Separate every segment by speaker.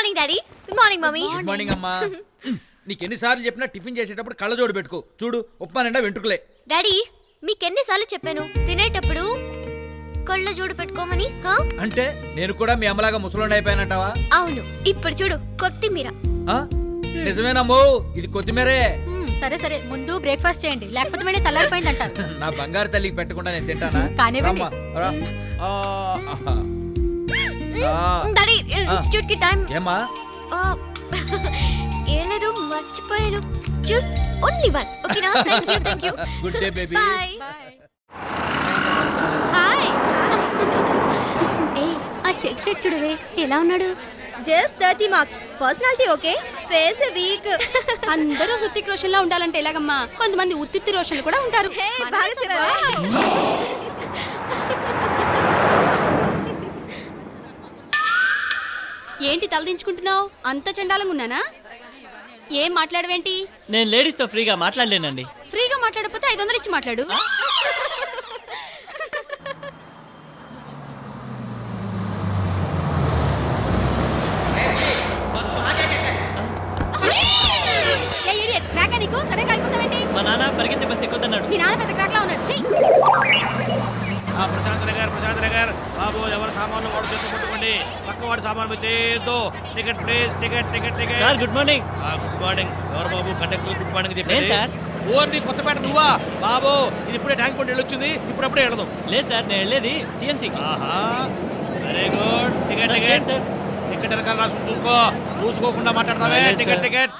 Speaker 1: Morning daddy. Good morning mummy.
Speaker 2: Good morning అమ్మా. నీకెన్నిసార్లు చెప్పినా టిఫిన్ చేసేటప్పుడు కళ్ళజోడు పెట్టుకో. చూడు ఉప్మా నిండా వెంట్రుకలే.
Speaker 1: డాడీ మీకెన్నిసార్లు చెప్పాను తినేటప్పుడు కళ్ళజోడు పెట్టుకోమని?
Speaker 2: అంటే నేను కూడా మీ అమ్మలాగా ముసలోండి అయిపోయానంటావా?
Speaker 1: అవును. ఇప్పుడు చూడు కొత్తిమీర.
Speaker 2: నిజమేనమ్మో, ఇది కొత్తిమీరే.
Speaker 3: సరే సరే, ముందు బ్రేక్ఫాస్ట్ చేయండి, లేకపోతే మేనే చల్లారిపోయిందంటారు.
Speaker 2: నా బంగారు తల్లికి పెట్టకుండా నేను తింటానా?
Speaker 3: కానివ్వండి.
Speaker 1: డాడీ ఇన్స్టిట్యూట్ కి టైం.
Speaker 2: ఏమా?
Speaker 1: ఏం లేదు, మర్చిపోయాను. Just only one. ఓకేనా? Thank you.
Speaker 2: Good day baby.
Speaker 1: Bye. Hi. ఏ ఆ చెక్ షర్ట్ చూడవే ఎలా ఉన్నాడు?
Speaker 4: Just 30 marks. Personality okay, face weak.
Speaker 3: అందరూ హృతిక్ రోషన్ లా ఉండాలంటే ఎలాగమ్మా? కొంతమంది ఉత్తిత్తి రోషన్లు కూడా ఉంటారు.
Speaker 4: బాగా చెప్పావా?
Speaker 3: ఏంటి తలదించుకుంటున్నావు? అంత చండాలంగా ఉన్నానా? ఏం మాట్లాడవేంటి?
Speaker 5: నేను లేడీస్ తో ఫ్రీగా మాట్లాడలేనండి.
Speaker 3: ఫ్రీగా మాట్లాడకపోతే 500 ఇచ్చి మాట్లాడు. నీకు సడన్ గా అయిపోతావేంటి?
Speaker 5: మా నాన్న పరిగెత్తి బస్ ఎక్కుతున్నాడు.
Speaker 3: మీ నాన్న పెద్ద క్రాక్ లా ఉన్నాడు.
Speaker 6: ప్రశాంత్ నగర్ బాబు, ఎవరు సామాన్లు వాడు చేసి పట్టుకోండి. పక్క వాడు సామాన్ చేయొద్దు. Ticket please, ticket.
Speaker 5: Sir good morning.
Speaker 6: Good morning. ఎవరు బాబు కండక్టర్ గుడ్ మార్నింగ్
Speaker 5: నేను
Speaker 6: చెప్పండి
Speaker 5: సార్.
Speaker 6: ఓన్లీ కొత్తపేట నువ్వా బాబు? ఇది ఇప్పుడే ట్యాంక్ బండి వెళ్ళొచ్చింది, ఇప్పుడప్పుడే వెళ్ళదు.
Speaker 5: లేదు సార్, నేను వెళ్ళేది సిఎన్సీ.
Speaker 6: ఆహా, very good. Ticket
Speaker 5: sir.
Speaker 6: Ticket వెనకాల రాసు చూసుకోకుండా మాట్లాడతావే. టికెట్.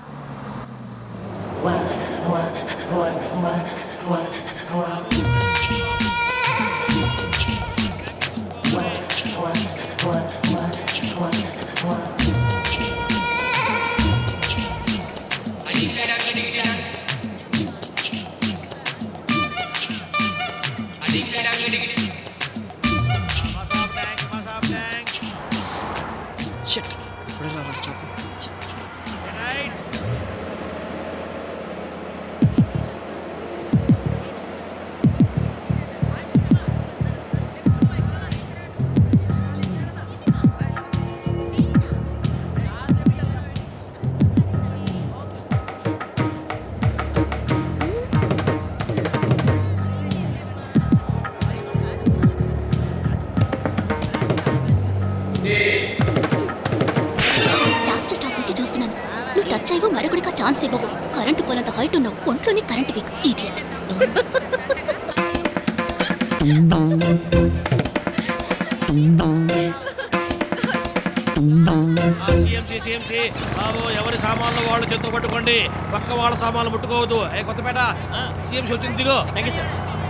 Speaker 4: టచ్ అయ్యో మరొకడికి ఛాన్స్ ఇవ్వవు. కరెంటు పోనంత హైట్ ఉన్నావు, ఒంట్లోని కరెంట్ వీక్. ఇడియట్.
Speaker 6: సిఎంసి బాబు, ఎవరి సామాన్లు వాళ్ళు చేత్తో పట్టుకోండి. పక్క వాళ్ళ సామాన్లు ముట్టుకోవద్దు. కొత్తపేట సిఎంసి వచ్చింది, దిగో.
Speaker 5: Thank you sir.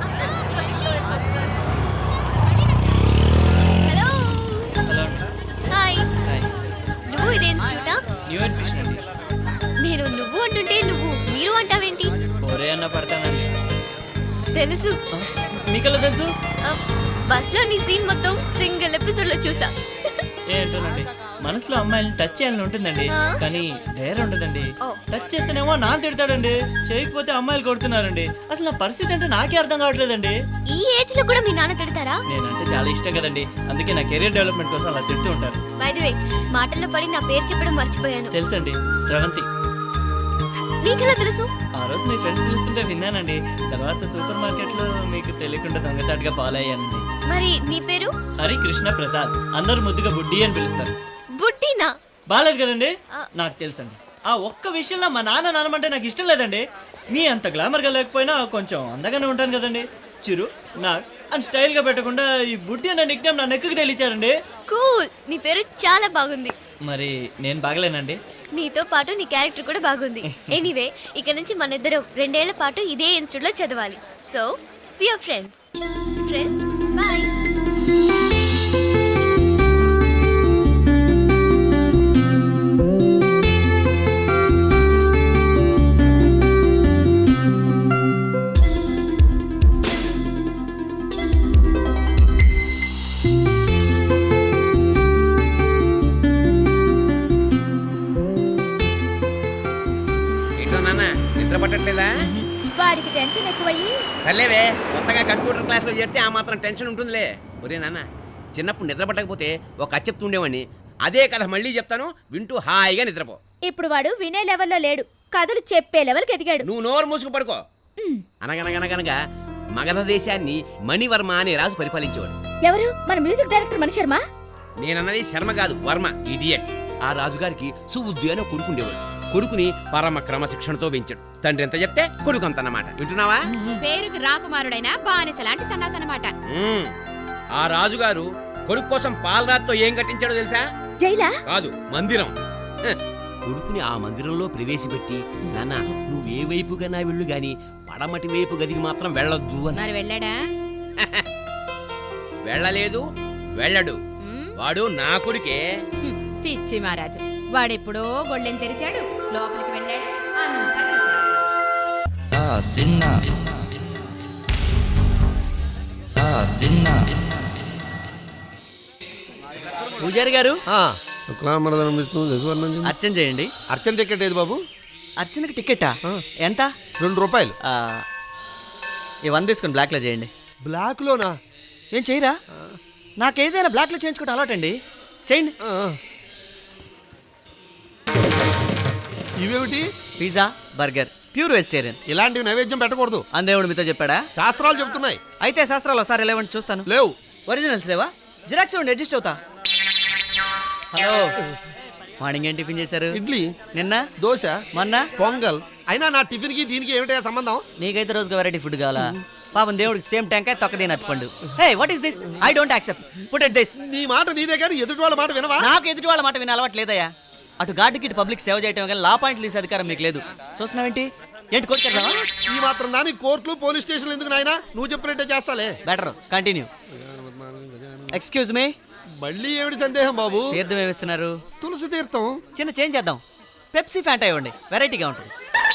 Speaker 1: Hello.
Speaker 5: Hello.
Speaker 1: Hi. నువ్వు ఇదే ఇన్స్టిట్యూటా?
Speaker 5: న్యూ అడ్మిషన్ అండి.
Speaker 1: నేను నువ్వు అంటుంటే నువ్వు మీరు అంటావేంటి?
Speaker 5: ఒరే అన్న పడతానండి.
Speaker 1: తెలుసు.
Speaker 5: మీకెలా తెలుసు?
Speaker 1: బస్ లో నీ సీన్ మొత్తం సింగిల్ ఎపిసోడ్ లో చూసా.
Speaker 5: ఏంటోనండి, మనసులో అమ్మాయిని టచ్ చేయాలని ఉంటుందండి, కానీ డేర్ ఉండదండి. టచ్ చేస్తేనేమో నాన్న తిడతాడండి, చేయకపోతే అమ్మాయిలు కొడుతున్నారండి. అసలు నా పరిస్థితి అంటే నాకే అర్థం కావట్లేదండి.
Speaker 1: ఈ ఏజ్ లో కూడా మీ నాన్న తిడతారా?
Speaker 5: నేనంటే చాలా ఇష్టం కదండి, అందుకే నా కెరీర్ డెవలప్మెంట్ కోసం అలా తిడుతూ ఉంటారు.
Speaker 1: బై ది వే, మాటల్లో పడి నా పేరు చెప్పడం మర్చిపోయాను.
Speaker 5: తెలుసండి, స్రవంతి.
Speaker 1: నీకెలా తెలుసు?
Speaker 5: ఆ రోజు మీ ఫ్రెండ్స్ పిలుస్తుంటే విన్నానండి. తర్వాత సూపర్ మార్కెట్ లో మీకు తెలియకుండా దొంగచాటుగా ఫాలో అయ్యానండి.
Speaker 1: మరి నీ పేరు?
Speaker 5: హరి కృష్ణ ప్రసాద్. అందరూ ముద్దుగా బుడ్డి అని పిలుస్తారు.
Speaker 1: బుడ్డినా?
Speaker 5: బాలేదు కదండి. నాకు తెలుసండి, ఆ ఒక్క విషయంలో మా నాన్న నానమంటే నాకు ఇష్టం లేదండి. మీ అంత గ్లామర్గా లేకపోయినా కొంచెం అందగానే ఉంటాను kazandi. Chiru Nag and style గా పెట్టకుండా ఈ బుడ్డి అనే నిక్ నేమ్ నా నెక్కి తెలిచారండి.
Speaker 1: కూల్, నీ పేరు చాలా బాగుంది.
Speaker 5: మరి నేను బాగలేనండి?
Speaker 1: నీతో పాటు నీ క్యారెక్టర్ కూడా బాగుంది. ఎనీవే, ఇక నుంచి మన ఇద్దరం 2 ఏళ్ల పాటు ఇదే ఇన్స్టిట్యూట్ లో చదవాలి. So we are friends. Bye.
Speaker 7: పట్టట్లేదా?
Speaker 4: వాడికి టెన్షన్ ఎక్కువయ్యి.
Speaker 7: సర్లేవే, కొత్తగా కంప్యూటర్ క్లాస్లో చేరితే ఆ మాత్రం టెన్షన్ ఉంటుందిలే. ఒరే నాన్న, చిన్నప్పుడు నిద్ర పట్టకపోతే ఒక కథ చెప్తుండేవాడిని. అదే కథ మళ్ళీ చెప్తాను, వింటూ హాయిగా నిద్రపో.
Speaker 8: ఇప్పుడు వాడు వినే లెవెల్లో లేడు, కథలు చెప్పే లెవెల్కి ఎదిగాడు.
Speaker 7: నువ్వు నోరు మూసుకు పడుకో. అనగనగనగనగా మగధ దేశాన్ని మణివర్మ అనే రాజు పరిపాలించేవాడు.
Speaker 8: ఎవరు? మన మ్యూజిక్ డైరెక్టర్ మణి శర్మ.
Speaker 7: నేనన్నది శర్మ కాదు, వర్మ, ఇడియట్. ఆ రాజుగారికి సుబుద్ధి అని కొడుకుండేవాడు. కొడుకుని పరమ క్రమశిక్షణతో పెంచాడు. తండ్రి ఎంత చెప్తే కొడుకు అంతన్నమాట. వింటున్నావా?
Speaker 3: పేరుకి రాకుమారుడైన బానిస లాంటి సన్నాసనమాట.
Speaker 7: ఆ రాజుగారు కొడుకు కోసం పాలరాతితో ఏం కట్టించాడో తెలుసా?
Speaker 8: జైలా?
Speaker 7: కాదు, మందిరం. కొడుకుని ఆ మందిరంలో ప్రవేశపెట్టి, నాన్న నువ్వు ఏ వైపుకైనా వెళ్ళు గాని పడమటి వైపు గదికి మాత్రం వెళ్ళొద్దు అని.
Speaker 3: మరి వెళ్ళాడా?
Speaker 7: వెళ్ళలేదు, వెళ్ళడు. వాడు నా కొడుకే.
Speaker 3: పిచ్చి మహారాజు, వాడెప్పుడో గొళ్ళెం తెరిచాడు, లోపలికి వెళ్ళాడు, అంతా
Speaker 5: పూజారి గారు
Speaker 9: శుక్లాంబరధరం విష్ణు శశివర్ణం.
Speaker 5: అర్చన చేయండి.
Speaker 9: అర్చన టికెట్ ఏది బాబు?
Speaker 5: అర్చనకి టికెటా? ఎంత?
Speaker 9: 2 రూపాయలు.
Speaker 5: ఈ 100 తీసుకొని బ్లాక్లో చేయండి.
Speaker 9: బ్లాక్ లోనా?
Speaker 5: ఏం చేయరా? నాకేదైనా బ్లాక్లో చేయించుకోవడం అలవాటండి. చేయండి.
Speaker 9: ఇవేమిటి?
Speaker 5: Pizza, burger, pure vegetarian.
Speaker 9: ఇలాంటివి నైవేద్యం పెట్టకూడదు.
Speaker 5: అందేవుడు మీతో చెప్పాడా?
Speaker 9: శాస్త్రాలు చెప్తున్నాయి.
Speaker 5: అయితే శాస్త్రాలు ఒకసారి లేవండి చూస్తాను.
Speaker 9: లేవు.
Speaker 5: ఒరిజినల్స్ లేవా? జిరాక్స్ ఇవ్వండి, అడ్జస్ట్ అవుతా. హలో, మార్నింగ్ ఏం టిఫిన్ చేశారు?
Speaker 9: ఇడ్లీ.
Speaker 5: నిన్న
Speaker 9: దోశ.
Speaker 5: మొన్న
Speaker 9: పొంగల్. అయినా నా టిఫిన్ కి దీనికి ఏమిటా సంబంధం?
Speaker 5: నీకైతే రోజుగా వెరైటీ ఫుడ్ కావాలా? పాపం దేవుడికి సేమ్ టెంకాయ తొక్కదేని అట్టుకోండు. Hey, what is this? I don't accept. Put it this.
Speaker 9: నీ మాట నీదే కానీ ఎదుటి వాళ్ళ మాట వినవా?
Speaker 5: నాకు ఎదుటి వాళ్ళ మాట వినే అలవాటు లేదయ్యా. అటు గార్డుకి ఇటు పబ్లిక్ సేవ చేయటం కానీ లా పాయింట్లు తీసే అధికారం మీకు లేదు. చూస్తున్నావేంటి? ఏంటి కొట్టుకెళ్తావా?
Speaker 9: ఈ మాత్రం దాని కోర్టులు పోలీస్ స్టేషన్లు ఎందుకు నాయనా? నువ్వు చెప్పినట్టే చేస్తాలే.
Speaker 5: Better continue. ఎక్స్క్యూజ్ మీ,
Speaker 9: మళ్ళీ ఏమిటి సందేహం బాబు?
Speaker 5: తీర్థం ఏమిస్తున్నారు?
Speaker 9: తులసి తీర్థం.
Speaker 5: చిన్న చేంజ్ చేద్దాం. పెప్సీ ఫ్యాంటా ఇవ్వండి, వెరైటీగా ఉంటుంది.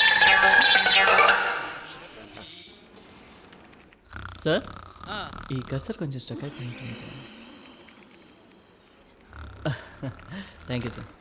Speaker 5: సార్, ఈ కసర్ కొంచెం స్టక్ అయిపోయింది. Thank you sir.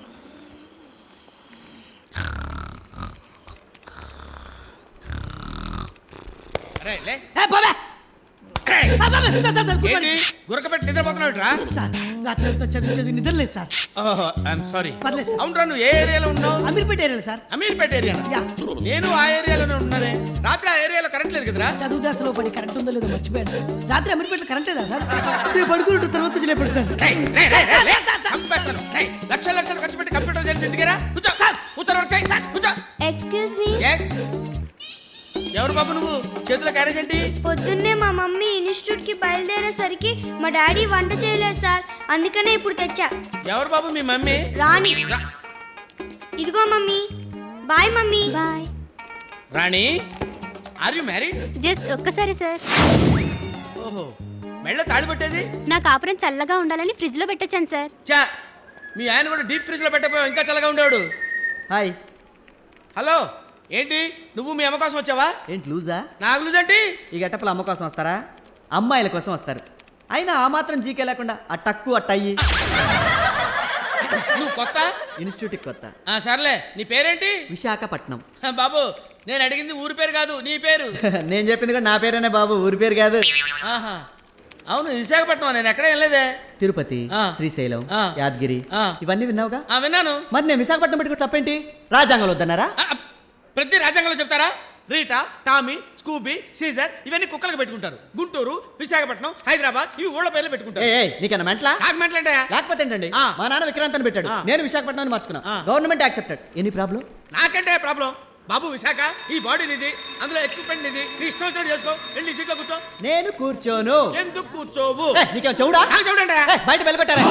Speaker 2: గురకపెట్టి నిద్రపోతున్నావుట్రా?
Speaker 10: రాత్రి చదివి నిద్రలేదు సార్.
Speaker 2: సారీ.
Speaker 10: పర్లేదు సార్.
Speaker 2: అవునరా, నువ్వు ఏ ఏరియాలో ఉన్నావు?
Speaker 10: Ameerpet area sir.
Speaker 2: Ameerpet area. నేను ఆ ఏరియాలోనే ఉన్నానే. రాత్రి ఆ ఏరియాలో కరెంట్ లేదు కదరా?
Speaker 10: చదువు దశలో పడి కరెంట్ ఉందో లేదో మర్చిపోయాను. రాత్రి అమీర్పేటలో కరెంట్ లేదా సార్? నేను పడుకున్నట్టు తర్వాత వచ్చి లేపడు సార్.
Speaker 2: చంపేస్తాను. లక్షలు లక్షలు ఖర్చు పెట్టి కంప్యూటర్ చేసి ఎందుకురా? కూర్చో. ఉత్తరం చేయి. కూర్చో.
Speaker 8: Excuse me.
Speaker 2: ఎస్. ఎవరు బాబు నువ్వు? చేతిలో క్యారేజ్ ఏంటి?
Speaker 1: పొద్దున్నే మా మమ్మీ ఇన్స్టిట్యూట్ కి బయలుదేరేసరికి మా డాడీ వంట చేయలేదు సార్, అందుకనే ఇప్పుడు తెచ్చా.
Speaker 2: ఎవరు బాబు మీ మమ్మీ?
Speaker 1: రాణి. ఇదిగో mummy. Bye mummy. Bye.
Speaker 2: Rani, are you married?
Speaker 1: Just ఒక్కసారి సార్.
Speaker 2: ఓహో, మెళ్ళ తాళి పట్టేది?
Speaker 1: నా కాపురం చల్లగా ఉండాలని ఫ్రిడ్జ్ లో పెట్టొచ్చాను సార్.
Speaker 2: చా, మీ ఆయన కూడా డీప్ ఫ్రిడ్జ్ లో పెట్టకపోయావు, ఇంకా చల్లగా ఉండేవాడు.
Speaker 5: హాయ్.
Speaker 2: హలో, ఏంటి నువ్వు మీ అమ్మ కోసం వచ్చావా?
Speaker 5: ఏంటి లూజా?
Speaker 2: నాకు లూజ్ ఏంటి?
Speaker 5: ఈ గట్టపల అమ్మ కోసం వస్తారా? అమ్మాయిల కోసం వస్తారు. అయినా ఆ మాత్రం జీకే లేకుండా ఆ టక్కు అట్టయ్యి.
Speaker 2: నువ్వు కొత్త
Speaker 5: ఇన్స్టిట్యూట్కి కొత్త.
Speaker 2: సర్లే, నీ పేరేంటి?
Speaker 5: విశాఖపట్నం.
Speaker 2: బాబు, నేను అడిగింది ఊరి పేరు కాదు, నీ పేరు.
Speaker 5: నేను చెప్పింది కూడా నా పేరేనే బాబు, ఊరి పేరు కాదు.
Speaker 2: ఆహా, అవును విశాఖపట్నం. నేను ఎక్కడ వెళ్ళలేదే.
Speaker 5: తిరుపతి, శ్రీశైలం, యాదగిరి ఇవన్నీ విన్నావుగా?
Speaker 2: విన్నాను.
Speaker 5: మరి నేను విశాఖపట్నం పెట్టుకుంటే తప్పేంటి? రాజ్యాంగంలో వద్దన్నారా?
Speaker 2: ప్రతి రాజ్యాంగంలో చెప్తారా? రీటా, టామీ, స్కూబీ, సీజర్ ఇవన్నీ కుక్కలకు పెట్టుకుంటారు. గుంటూరు, విశాఖపట్నం, హైదరాబాద్ ఇవి ఊళ్ళ పేర్లు పెట్టుకుంటారు.
Speaker 5: నీకన్నా మెంట్లా?
Speaker 2: నాకు మెంటలంటే
Speaker 5: లేకపోతే ఏంటండి? మా నాన్న విక్రాంత్ అని పెట్టాడు, నేను విశాఖపట్నం మార్చుకున్నా. Government accepted. Any problem?
Speaker 2: నాకంటే ప్రాబ్లం బాబు. విశాఖ ఈ బాడీ నిది, అందులో ఎక్విప్మెంట్ నిది. నీ ఇష్టం వచ్చినట్టు చేసుకో. వెళ్ళి సీట్లో కూర్చో.
Speaker 5: నేను కూర్చోను.
Speaker 2: ఎందుకు కూర్చోవు?
Speaker 5: నీకేం చెవుడా?
Speaker 2: నాకు చూడండి.
Speaker 5: బయట వెళ్ళగొట్టారా?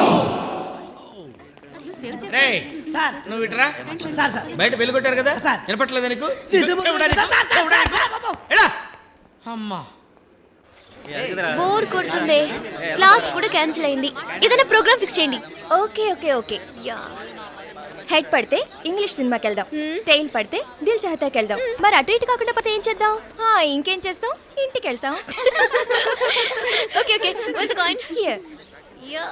Speaker 2: రేయ్,
Speaker 10: సార్
Speaker 2: నువ్వు ఇట్రా.
Speaker 10: సార్ సార్
Speaker 2: బయట వెళ్ళగొట్టారు కదా
Speaker 10: సార్.
Speaker 2: వినపట్లేదా నీకు?
Speaker 10: నిజం.
Speaker 2: ఎలా? అమ్మా,
Speaker 1: బోర్ కొడుతుంది. క్లాస్ కూడా క్యాన్సిల్ అయింది. ఏదైనా ప్రోగ్రామ్ ఫిక్స్ చేయండి.
Speaker 8: Okay okay okay. హెడ్ పడితే ఇంగ్లీష్ సినిమాకి వెళ్దాం, టైల్ పడితే దిల్ చాహతాకి వెళ్దాం. మరి అటు ఇటు కాకుండా పడితే ఏం చేద్దాం? ఇంకేం చేస్తాం? ఇంటికి వెళ్తాం.
Speaker 1: Okay okay. What's coin
Speaker 8: here.
Speaker 1: Yeah.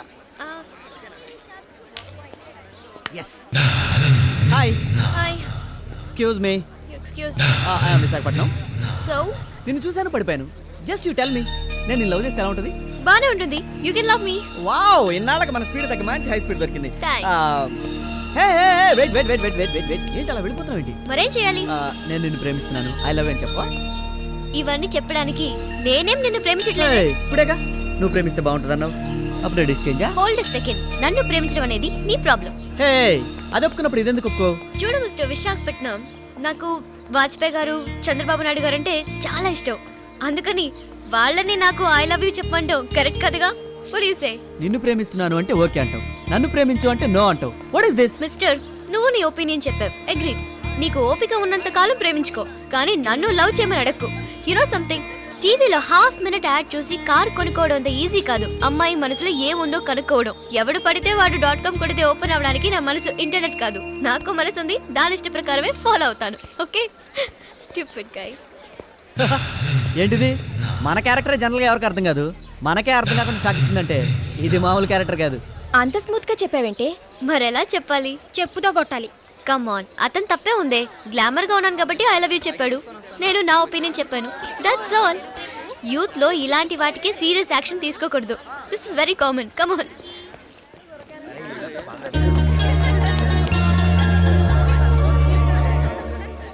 Speaker 5: Yes. Hi.
Speaker 1: Hi.
Speaker 5: Excuse me.
Speaker 1: Excuse.
Speaker 5: I am Visakhapatnam.
Speaker 1: So
Speaker 5: నిన్ను చూశాను, పడిపోయాను. జస్ట్ యూ టెల్ మీ, నేను నిన్ను లవ్ చేస్తే ఎలా ఉంటుంది?
Speaker 1: బానే ఉంటుంది. You can love me.
Speaker 5: Wow, ఇన్నాళ్ళకి మన స్పీడ్ తగ్గ మంచి హై స్పీడ్ దొరికింది.
Speaker 1: Thanks.
Speaker 5: Wait wait wait wait wait wait wait ఏంటి అలా వెళ్ళిపోతావు ఏంటి?
Speaker 1: మరేం చేయాలి?
Speaker 5: నేను నిన్ను ప్రేమిస్తున్నాను, ఐ లవ్ యూ అని చెప్పా.
Speaker 1: ఇవన్నీ చెప్పడానికి నేనేం నిన్ను ప్రేమించట్లేదు.
Speaker 5: ఇప్పుడేగా నువ్వు ప్రేమిస్తే బాగుంటుందన్నావు, అప్పుడు డిస్చేంజా?
Speaker 1: Hold a second. నన్ను ప్రేమించడం అనేది నీ ప్రాబ్లం.
Speaker 5: హే, అది ఒప్పుకున్నప్పుడు ఇదెందుకు ఒప్పుకో?
Speaker 1: చూడు మిస్టర్ విశాఖపట్నం, నాకు వాజ్పేయి గారు, చంద్రబాబు నాయుడు గారు అంటే చాలా ఇష్టం. అందుకని వాళ్ళని నాకు ఐ లవ్ యూ చెప్పమంటావు కరెక్ట్ కదగా? What you say?
Speaker 5: నిన్ను ప్రేమిస్తున్నాను అంటే ఓకే అంటావు, నన్ను ప్రేమించు అంటే నో అంటావు. What is this?
Speaker 1: మిస్టర్, నువ్వు నీ ఒపీనియన్ చెప్పావు, అగ్రీ. నీకు ఓపిక ఉన్నంత కాలం ప్రేమించుకో, కానీ నన్ను లవ్ చేయమని అడక్కు. యు నో సంథింగ్, టీవీలో హాఫ్ మినిట్ యాడ్ చూసి కార్ కొనుక్కోవడం అంత ఈజీ కాదు. అమ్మాయి మనసులో ఏముందో కనుక్కోవడం. ఎవడు పడితే వాడు .com కొడితే ఓపెన్ అవ్వడానికి నా మనసు ఇంటర్నెట్ కాదు. నాకు మనసు ఉంది, దాని ఇష్ట ప్రకారమే ఫాలో అవుతాను. ఓకే? Stupid guy.
Speaker 5: ఏంటిది? మన క్యారెక్టర్ జనరల్గా ఎవరికి అర్థం కాదు, మనకే అర్థం కాకుండా షాక్ ఇచ్చిందంటే ఇది మామూలు క్యారెక్టర్ కాదు.
Speaker 8: అంత స్మూత్ గా చెప్పావేంటే?
Speaker 1: మరెలా చెప్పాలి?
Speaker 8: చెప్పుతో కొట్టాలి.
Speaker 1: కమ్ ఆన్, అతను తప్పే ఉందే. గ్లామర్ గా ఉన్నాను కాబట్టి ఐ లవ్ యూ చెప్పాడు, నేను నా ఒపీనియన్ చెప్పాను. That's all. యూత్ లో ఇలాంటి వాటికి సీరియస్ యాక్షన్ తీసుకోకూడదు. This is very common. Come on.